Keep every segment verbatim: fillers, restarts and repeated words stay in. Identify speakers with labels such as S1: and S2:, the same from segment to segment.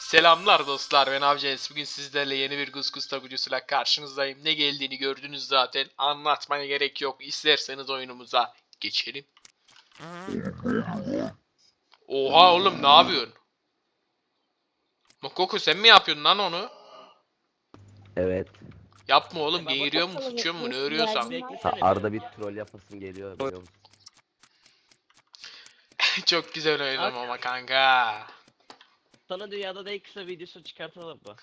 S1: Selamlar dostlar, ben Avcens. Bugün sizlerle yeni bir Guskus videosuyla karşınızdayım. Ne geldiğini gördünüz zaten. Anlatmaya gerek yok. İsterseniz oyunumuza geçelim. Oha oğlum, ne yapıyorsun? Mokoko, sen mi yapıyorsun lan onu?
S2: Evet.
S1: Yapma oğlum,
S3: Ben
S1: geğiriyor mu,
S3: bakalım,
S1: sıçıyor mu, ne
S3: nasıl
S1: örüyorsan.
S3: güvercin var?
S2: Ha,
S3: Beklesene
S2: arada
S3: bir.
S2: bir troll yapasım geliyor biliyor musun?
S1: Çok güzel oynadım
S3: Ak-
S1: ama kanka.
S3: Sana dünyada da en kısa videosu çıkartalım mı?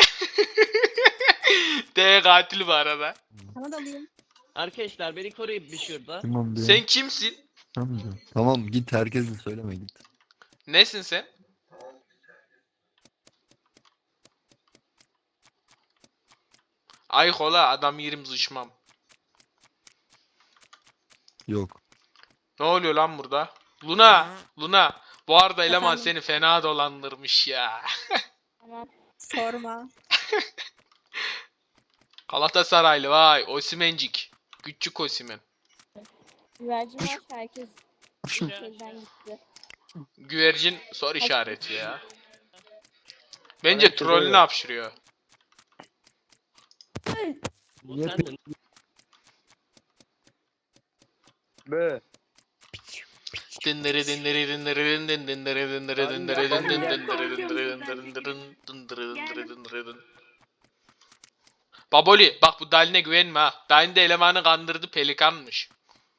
S1: D katil bu arada.
S4: Sana da alayım.
S3: Arkadaşlar beni koruyun bir şurada.
S5: Tamam be.
S1: Sen kimsin?
S5: Tamam, be. Tamam git herkese söyleme git.
S1: Nesin sen? Ay kola, adam yerim zıçmam.
S5: Yok.
S1: Ne oluyor lan burada? Luna, Luna. Bu arada eleman
S4: Efendim?
S1: seni fena dolandırmış ya.
S4: Tamam. Sorma.
S1: Galatasaraylı vay, Osimhencik. Küçük Osimhen.
S4: Güvercin var. Herkes şeyden gitti.
S1: Güvercin soru işareti ya. Bence trollünü hapşırıyor.
S3: Bu sendin.
S6: Be.
S1: Dındırı dındırı dındırı dın dın dındırı dındırı dındırı dın dın dındırı dındırı dındırı dındırı dındırı dındırı dındırı dın. Baboli, bak bu Dalin'e güvenme ha. Dalin de elemanı kandırdı, pelikanmış.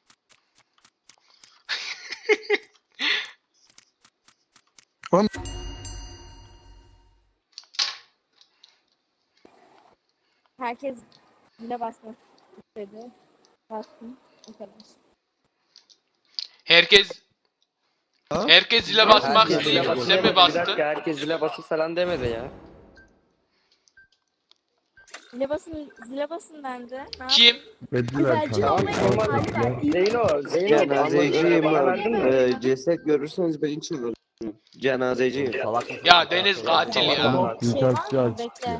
S4: Herkes zile basmak istedi. Bastım. O kadar.
S1: Herkes
S5: Ha?
S1: Herkes zile basmak
S6: Herkes zile
S1: istiyor.
S6: basın
S1: Sen mi
S6: demedi. Bir
S1: bastın?
S6: dakika, herkes zile basın falan demedi ya.
S4: Zile basın, zile basın bende. Ne
S1: Kim?
S5: Verdiler
S4: Güvercin
S5: kanka.
S4: olmayı hali var. İyi.
S6: Zeyno, Zeyno.
S7: Cenazeciyim
S6: Bana
S7: ben.
S6: verdin mi?
S7: Ee, ceset görürseniz ben çıldırırım. Cenazeciyim.
S2: Salak mısın?
S1: Ya Deniz katil
S2: Salak
S1: ya.
S2: mısın?
S5: Oğlum
S4: Şey
S5: suikastçı
S4: var mı?
S5: açtı
S4: Bekle.
S5: ya.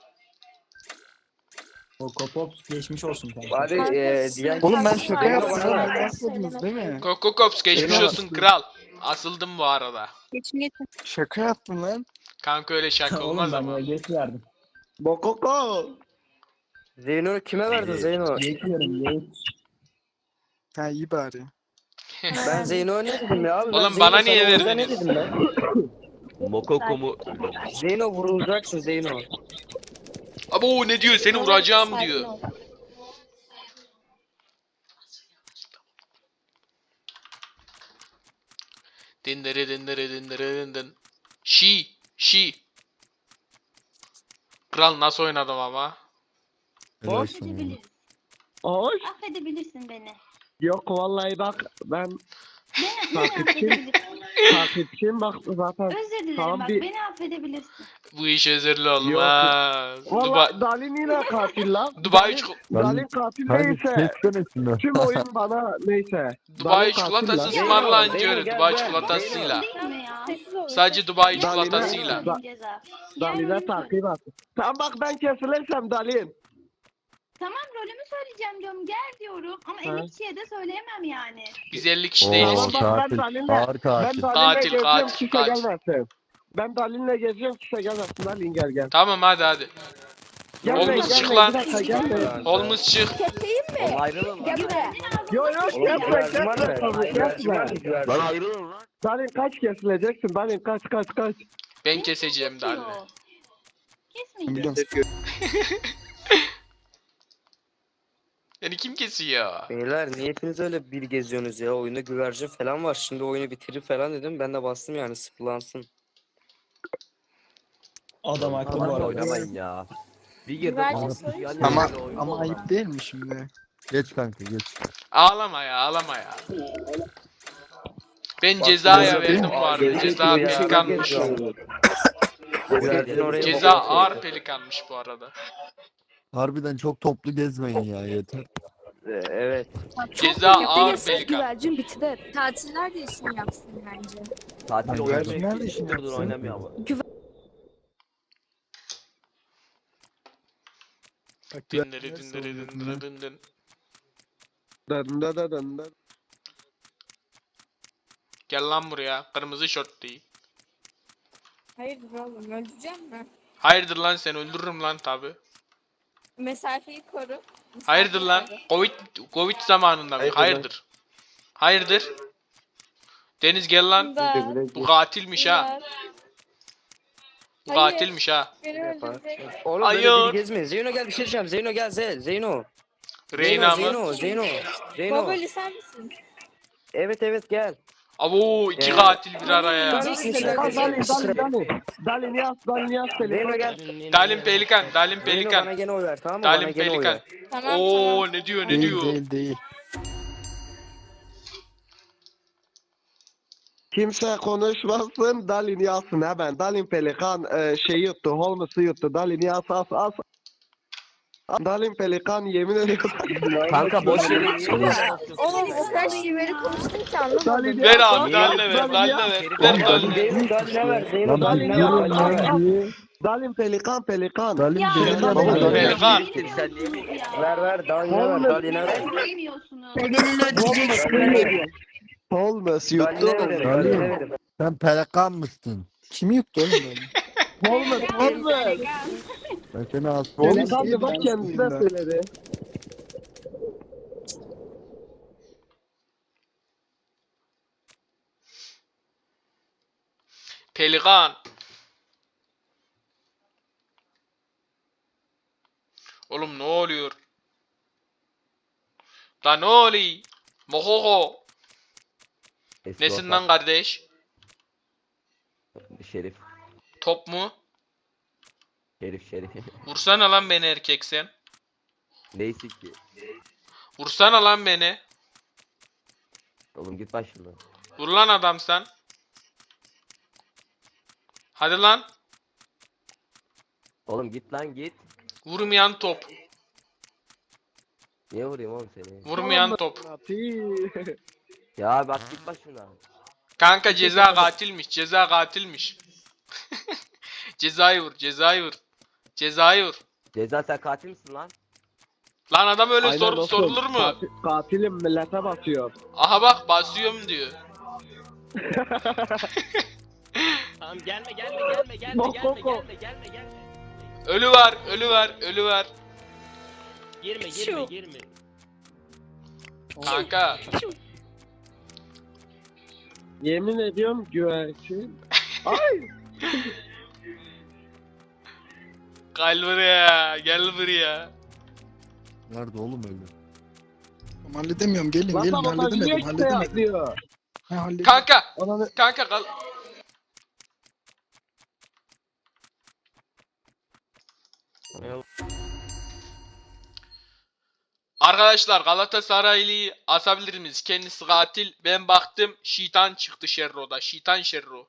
S8: Okopops geçmiş olsun kanka.
S6: Bari
S4: Kanka,
S6: e,
S4: sizin
S6: diğer...
S8: Oğlum ben
S4: kartınız
S8: şaka
S4: var.
S8: yaptım
S6: Bana
S8: lan.
S6: ver.
S8: Yapmadınız değil mi?
S1: Kokokops geçmiş
S8: Eyvallah.
S1: olsun kral. Asıldım bu arada.
S4: Geçin geçin.
S8: Şaka yaptım lan.
S1: Kanka öyle şaka olmaz ama.
S8: geç verdim.
S7: Bokoko.
S6: Zeyno'yu kime verdin Zeyno?
S8: Geç veririm geç. Ha iyi bari.
S6: Ben Zeyno'ya ne dedim ya abi? Ben
S1: Oğlum
S6: Zeyno
S1: bana
S6: sana
S1: niye
S6: orada
S1: verdiniz?
S6: Ne dedim ben?
S2: Mokoko mu?
S6: Zeyno vurulacaksın Zeyno.
S1: Abo ne diyor, seni vuracağım diyor. Dindere dindere dindere dindin. Şi, şi. Kral nasıl oynadım ama?
S5: Helal sana.
S9: Affedebiliriz.
S7: Hoş.
S9: Affedebilirsin beni.
S7: Yok vallahi bak ben
S9: Beni, beni
S7: Takipçim.
S9: affedebilirsin.
S7: takipçiyim bak zaten.
S9: Özür dilerim
S7: Tamam,
S9: bak
S7: bir-
S9: beni affedebilirsin.
S1: Bu iş özürlü olmaz. Dubai,
S7: Valla Dalin yine katil lan.
S1: Dubai,
S7: Dalin-
S1: çiko-
S7: Dalin katil
S5: Hadi
S7: değilse
S5: geçsene şunu.
S7: tüm oyun bana neyse.
S1: Dubai
S7: Dalin katil
S1: çikolatası
S7: lan.
S1: ısmarlayınca
S6: Zeyno,
S1: öyle,
S6: gel,
S1: Dubai
S6: gel.
S1: çikolatasıyla.
S9: Değil mi ya?
S4: Sessiz olun.
S1: Sadece Dubai
S7: Dalin'e-
S1: çikolatasıyla.
S9: Benim ceza.
S7: Dalin'e
S9: Gel,
S7: takip at. Tamam bak ben kesilirsem Dalin.
S9: Tamam rolümü söyleyeceğim diyorum gel diyorum ama
S7: Ha.
S9: elli kişiye de söyleyemem yani.
S1: Biz elli kişi
S5: Oo
S1: değiliz
S7: Tamam,
S1: ki.
S7: bak, ben
S5: katil.
S7: Dalin'le-
S5: Ağır
S7: Ben
S5: katil.
S7: Dalin'le
S1: Katil,
S7: geziyorum
S1: katil,
S7: kimse
S1: katil.
S7: gelmesin. Ben Dalin'le geziyorum kimse gelmesin. Dalin gel gel.
S1: Tamam hadi hadi.
S7: Gelmeyin,
S1: Olmaz, çık
S7: gelmeyin,
S1: lan.
S7: bir dakika, gelmeyin.
S1: Olmuş çık.
S4: Keseyim mi?
S2: Oğlum ayrılın lan.
S4: Gel buraya.
S7: Yo yo
S6: Oğlum
S7: kesme
S6: güvercin var
S7: kesme
S6: mı?
S7: tabii
S6: Güvercin var
S7: kesme.
S6: mı? Güvercin.
S2: Lan ayrılın lan.
S7: Dalin kaç kesileceksin? Dalin kaç kaç kaç.
S1: Ben keseceğim Dalin'i.
S9: Kesmeyeceğim.
S1: Yani kim kesiyor?
S6: Beyler niye hepiniz öyle bir geziyorsunuz ya? Oyunda güvercin falan var. Şimdi oyunu bitirir falan dedim. Ben de bastım yani sıfırlansın.
S8: Adam haklı bu
S2: Lan
S8: arada.
S2: oynamayın ya. Bir girdim.
S4: Güvercin
S2: ama-
S4: soyun
S2: yani
S4: içinde.
S8: Ama
S2: böyle oyun
S8: ama
S2: olur
S8: ayıp
S2: ha.
S8: değil mi şimdi?
S5: Geç kanka geç.
S1: Ağlama ya, ağlama ya. Ben cezaya verdim bu arada. Ceza pelikanmış.
S6: Güvercin oraya
S1: Ceza
S6: bakıyor.
S1: ağır pelikanmış bu arada.
S5: Harbiden çok toplu gezmeyin ya yeter.
S6: Ee, Evet.
S1: Ceza ağır pelikan.
S4: Güvercin bitti. Tatiller de işini yapsın bence.
S2: Tatil
S5: Güvercin
S2: oynamıyor.
S8: nerede işin
S2: Dur dur
S8: yapsın?
S2: oynamıyor ama.
S1: Dindiri dindiri dindiri dindin.
S7: Dın dın dın dın dın.
S1: Gel lan buraya. Kırmızı şort değil.
S4: Hayırdır oğlum öldüreceğim mi?
S1: Hayırdır lan, sen öldürürüm lan tabi.
S4: Mesafeyi koru. Mesafeyi
S1: Hayırdır lan?
S4: koru.
S1: Covid Covid zamanında mı?
S6: Hayırdır
S1: Hayırdır. Hayırdır. Deniz gel lan.
S4: İmdat,
S1: Bu katilmiş ha.
S4: imdat.
S1: Bu
S4: Hayır.
S1: katilmiş ha.
S4: Beni öldürecek.
S6: Oğlum
S1: Hayır.
S6: böyle bir gezmeyin. Zeyno gel bir şey diyeceğim. Zeyno gel Ze- Zeyno.
S1: Reyna
S6: Zeyno,
S1: mı?
S6: Zeyno, Zeyno. Zeyno.
S4: Babali sen misin?
S6: Evet evet gel.
S1: Abo iki
S6: Ee,
S1: katil bir araya.
S6: Ben-
S7: Dalin Dalin Dalin. Dalin yaz Dalin yaz
S6: Zeyno
S7: Pelikan.
S6: gel.
S1: Dalim Pelikan, Dalim
S6: Zeyno bana
S1: Pelikan.
S6: gene oy ver tamam mı?
S1: Dalim
S6: Bana gene oy
S1: Pelikan.
S6: ver.
S4: Tamam
S1: Oo
S4: tamam.
S1: ne diyor ne
S8: Değil
S1: diyor?
S8: değil değil.
S7: Kimse konuşmasın. Dalin yazsın hemen. Dalin Pelikan e, şey yuttu. Holmes'u yuttu. Dalin yaz as as. Dalin Pelikan yemin ediyorum.
S2: Kanka boş yere
S4: Ya, oğlum o kadar şiveri konuştun ki anlamadım.
S7: Dalin
S1: Ver
S7: yaz,
S1: abi
S7: Dalin
S1: Daline
S7: yaz,
S1: ver,
S7: Dalin
S1: Daline
S7: yaz.
S1: ver. Ver
S2: Oğlum,
S1: Daline.
S6: Zeyno Daline ver. Zeyno
S5: Lan
S6: Daline
S5: bir
S6: ver.
S5: yürü
S6: Daline ver.
S5: lan.
S7: Dalin Pelikan Pelikan.
S5: Dalim
S9: Ya,
S5: Pelikan.
S6: Baba,
S5: Baba,
S6: Dalim
S1: Pelikan.
S6: Sen
S9: niye bu
S6: Ver ver Daline ver. Daline ver.
S9: Bilmiyorsunuz.
S7: Holmes yuttu.
S6: Daline verin. Daline verin.
S5: Sen pelikan mısın?
S8: Kimi yuttu oğlum ben?
S7: Holmes Holmes.
S5: Ben seni az
S7: Pelikan
S8: iyi,
S7: da bak
S8: ben
S7: kendisine
S8: suyum ben.
S7: söyledi.
S1: Pelikan. Oğlum ne oluyor? Da ne oluyor? Mohoho.
S2: Eski
S1: Nesin
S2: ortak
S1: lan kardeş?
S2: Şerif.
S1: Top mu?
S2: Şerif şerif.
S1: Vursana lan beni erkek sen.
S2: Neyse ki.
S1: Vursana lan beni.
S2: Oğlum git başımdan.
S1: Vur lan adam sen. Hadi lan.
S2: Oğlum git lan git.
S1: Vurmayan top.
S2: Niye vurayım oğlum seni?
S1: Vurmayan top.
S2: Ya bak git başımdan.
S1: Kanka ceza katilmiş. Ceza katilmiş. Cezayı vur. Cezayı vur. Cezayı vur.
S2: Ceza sen katil misin lan?
S1: Lan adam öyle
S7: Aynen
S1: sor,
S7: dostum.
S1: sorulur mu?
S7: Katil- katilim millete basıyor.
S1: Aha bak basıyorum diyor.
S3: Tamam gelme gelme gelme gelme
S7: Bok,
S3: gelme
S7: bok, bok.
S3: gelme gelme gelme.
S1: Ölü var, ölü var, ölü var.
S3: Girme
S4: Şu.
S3: girme girme.
S1: Kanka.
S7: Yemin ediyorum güvercin.
S1: Gel buraya, gel buraya.
S5: Nerede oğlum öyle?
S8: Tamam, halledemiyorum gelin
S7: Lan
S8: gelin
S7: sabotajı niye
S8: halledemedim
S7: kimse
S8: halledemedim.
S7: yapmıyor?
S8: Ha, halledim.
S1: Kanka,
S7: Ananı...
S1: kanka kal. Arkadaşlar Galatasaraylı'yı asabilir miyiz? Kendisi katil. Ben baktım şeytan çıktı Şerro'da. Şeytan Şerro.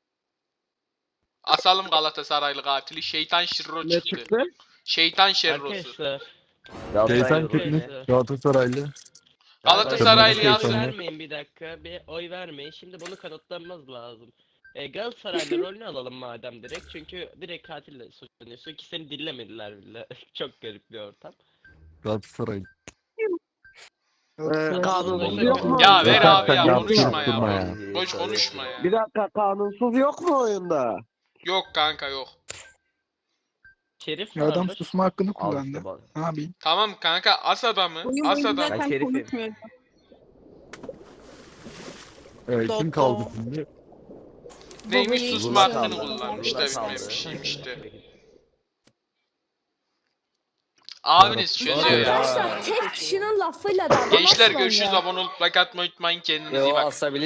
S1: Asalım Galatasaraylı katili. Şeytan Şerro
S7: Ne
S1: çıktı.
S7: çıktı?
S1: Şeytan Şerro'su.
S3: Arkadaşlar.
S2: Galatasaray
S5: Şeytan
S2: olur.
S5: teknik Galatasaraylı.
S1: Galatasaraylı
S5: Kırmızı
S3: Oy
S1: yazsın.
S5: şeytan.
S3: vermeyin bir dakika. Bir oy vermeyin. Şimdi bunu kanıtlamamız lazım. E, Galatasaraylı rolünü alalım madem direkt. Çünkü direkt katille suçlanıyorsun ki seni dinlemediler bile. Çok garip bir ortam.
S5: Galatasaraylı.
S7: Ee, kanunsuz
S3: Oldu.
S7: yok mu?
S1: Ya ver
S5: Yeter
S1: abi
S5: sen
S1: ya
S5: yaptın,
S1: konuşma
S5: yaptırma
S1: ya.
S5: ya.
S1: Boş konuşma ya.
S7: Bir dakika kanunsuz yok mu oyunda?
S1: Yok kanka yok.
S3: Şerif
S8: Ya adam
S3: vardır.
S8: susma hakkını
S2: Al
S8: kullandı.
S2: işte bak.
S8: Ne yapayım?
S1: Tamam kanka as adamı.
S4: Oyun
S1: As
S4: boyunca
S1: adamı.
S2: Ben
S4: zaten
S2: şerifim.
S4: konuşmuyorum.
S5: Evet, kim kaldı şimdi?
S1: Neymiş
S4: Babayı
S1: susma
S4: hiç
S1: hakkını
S4: sevmiyorum.
S1: kullanmış da
S2: Burada
S1: bilmem
S2: kaldı.
S1: bir şeymiş işte. Abiniz çözüyor ya.
S4: Arkadaşlar tek kişinin lafıyla da
S1: Gençler
S4: anlamazlar
S1: görüşürüz.
S4: ya.
S1: Abone olup like atmayı unutmayın. Kendinize iyi
S6: Yo
S1: bakın.
S6: asabilir.